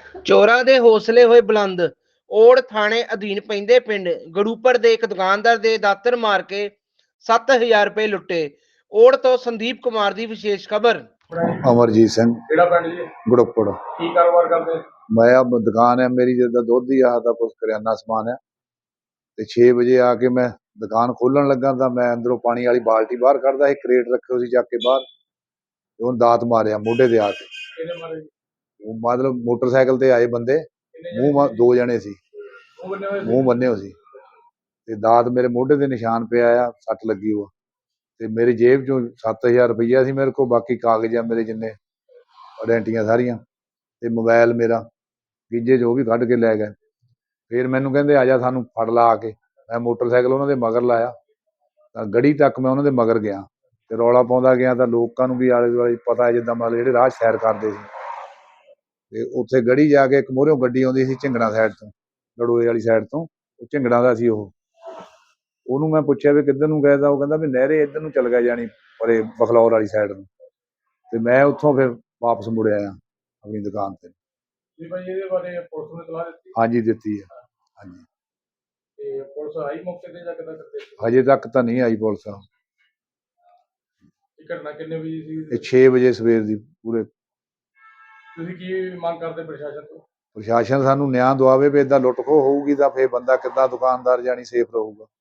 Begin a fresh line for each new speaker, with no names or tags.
ਚੋਰਾਂ ਦੇ ਹੌਸਲੇ ਹੋਏ ਬੁਲੰਦ। ਔੜ ਥਾਣੇ ਅਧੀਨ ਪੈਂਦੇ ਪਿੰਡ ਗੜੂਪਰ ਦੇ ਇੱਕ ਦੁਕਾਨਦਾਰ ਦੇ ਦਾਤਰ ਮਾਰ ਕੇ 7,000 ਰੁਪਏ ਲੁੱਟੇ। ਔੜ ਤੋਂ ਸੰਦੀਪ ਕੁਮਾਰ ਦੀ ਵਿਸ਼ੇਸ਼ ਖਬਰ।
ਅਮਰਜੀਤ ਸਿੰਘ,
ਕਿਹੜਾ ਪਿੰਡ ਜੀ?
ਗੁੜੱਪੜ।
ਕੀ ਕਾਰੋਬਾਰ ਕਰਦੇ?
ਮੈਂ ਆ ਦੁਕਾਨ ਹੈ ਮੇਰੀ, ਜਿੱਦਾਂ ਦੁੱਧ ਦੀ ਆਹ ਦਾ ਕੁਛ ਕਰਿਆਨਾ ਸਮਾਨ ਹੈ। ਤੇ 6 ਵਜੇ ਆ ਕੇ ਮੈਂ ਦੁਕਾਨ ਖੋਲਣ ਲੱਗਾ ਤਾਂ ਮੈਂ ਅੰਦਰੋਂ ਪਾਣੀ ਵਾਲੀ ਬਾਲਟੀ ਬਾਹਰ ਕੱਢਦਾ ਸੀ, ਕਰੇਟ ਰੱਖਿਓ ਸੀ ਚੱਕ ਕੇ ਬਾਹਰ, ਤੇ ਉਹਨੂੰ ਦਾਤ ਮਾਰਿਆ ਮੋਢੇ ਤੇ ਆ ਕੇ।
ਕਿਹਨੇ ਮਾਰੇ?
ਉਹ ਮਤਲਬ ਮੋਟਰਸਾਈਕਲ ਤੇ ਆਏ ਬੰਦੇ, ਮੂੰਹ 2 ਜਣੇ ਸੀ, ਮੂੰਹ ਬੰਨੇ ਹੋਏ ਸੀ, ਤੇ ਦਾਤ ਮੇਰੇ ਮੋਢੇ ਤੇ ਨਿਸ਼ਾਨ ਪਿਆ ਆ, ਸੱਟ ਲੱਗੀ ਉਹ। ਤੇ ਮੇਰੀ ਜੇਬ ਚੋਂ 7,000 ਰੁਪਈਆ ਸੀ ਮੇਰੇ ਕੋਲ, ਬਾਕੀ ਕਾਗਜ਼ ਆ ਮੇਰੇ ਜਿੰਨੇ ਆਇਡੈਂਟੀਆਂ ਸਾਰੀਆਂ, ਤੇ ਮੋਬਾਈਲ ਮੇਰਾ ਗੀਜੇ 'ਚ ਉਹ ਵੀ ਕੱਢ ਕੇ ਲੈ ਗਏ। ਫਿਰ ਮੈਨੂੰ ਕਹਿੰਦੇ ਆ ਜਾ ਸਾਨੂੰ ਫੜ ਲਾ ਆ ਕੇ। ਮੈਂ ਮੋਟਰਸਾਈਕਲ ਉਹਨਾਂ ਦੇ ਮਗਰ ਲਾਇਆ ਤਾਂ ਗੜੀ ਤੱਕ ਮੈਂ ਉਹਨਾਂ ਦੇ ਮਗਰ ਗਿਆ, ਤੇ ਰੌਲਾ ਪਾਉਂਦਾ ਗਿਆ ਤਾਂ ਲੋਕਾਂ ਨੂੰ ਵੀ ਆਲੇ ਦੁਆਲੇ ਪਤਾ, ਜਿੱਦਾਂ ਮਤਲਬ ਜਿਹੜੇ ਰਾਹ ਸੈਰ ਕਰਦੇ ਸੀ। ਤੇ ਉੱਥੇ ਗੜੀ ਜਾ ਕੇ ਇੱਕ ਮੂਹਰਿਓਂ ਗੱਡੀ ਆਉਂਦੀ ਸੀ ਝਿੰਗੜਾਂ ਸਾਈਡ ਤੋਂ, ਲੜੋਏ ਵਾਲੀ ਸਾਈਡ ਤੋਂ, ਉਹ ਝਿੰਗੜਾਂ ਦਾ ਸੀ ਉਹ। ਉਹਨੂੰ ਮੈਂ ਪੁੱਛਿਆ ਵੀ ਕਿੱਧਰ ਨੂੰ ਗਏ, ਤਾਂ ਉਹ ਕਹਿੰਦਾ ਵੀ ਨਹਿਰੇ ਇੱਧਰ ਨੂੰ ਚੱਲ ਗਿਆ, ਜਾਣੀ ਪਰੇ ਬਖਲੌਰ ਵਾਲੀ ਸਾਈਡ ਨੂੰ। ਤੇ ਮੈਂ ਉੱਥੋਂ ਫਿਰ ਵਾਪਸ ਮੁੜ ਆਇਆ ਆਪਣੀ ਦੁਕਾਨ ਤੇ।
ਜੀ ਭਾਈ, ਇਹਦੇ ਬਾਰੇ ਪੁਲਿਸ ਨੂੰ ਇਤਲਾਹ ਦਿੱਤੀ?
ਹਾਂਜੀ ਦਿੱਤੀ ਹੈ, ਹਾਂਜੀ।
ਤੇ ਪੁਲਿਸ ਆਈ ਮੌਕੇ ਤੇ ਜਾਂ ਕਿੱਦਾਂ ਕਰਦੇ?
ਹਜੇ ਤੱਕ ਤਾਂ ਨਹੀਂ ਆਈ ਪੁਲਿਸ।
ਇਹ ਘਟਨਾ ਕਿੰਨੇ ਵਜੇ ਸੀ?
ਇਹ 6 ਵਜੇ ਸਵੇਰ ਦੀ ਪੂਰੇ।
ਤੁਸੀਂ ਕੀ ਮੰਗ ਕਰਦੇ ਪ੍ਰਸ਼ਾਸਨ ਤੋਂ?
ਪ੍ਰਸ਼ਾਸਨ ਸਾਨੂੰ ਨਿਆਂ ਦਵਾਵੇ ਵੀ ਏਦਾਂ ਲੁੱਟ ਖੋਹ ਹੋਊਗੀ ਤਾਂ ਫਿਰ ਬੰਦਾ ਕਿੱਦਾਂ ਦੁਕਾਨਦਾਰ ਜਾਣੀ ਸੇਫ ਰਹੂਗਾ।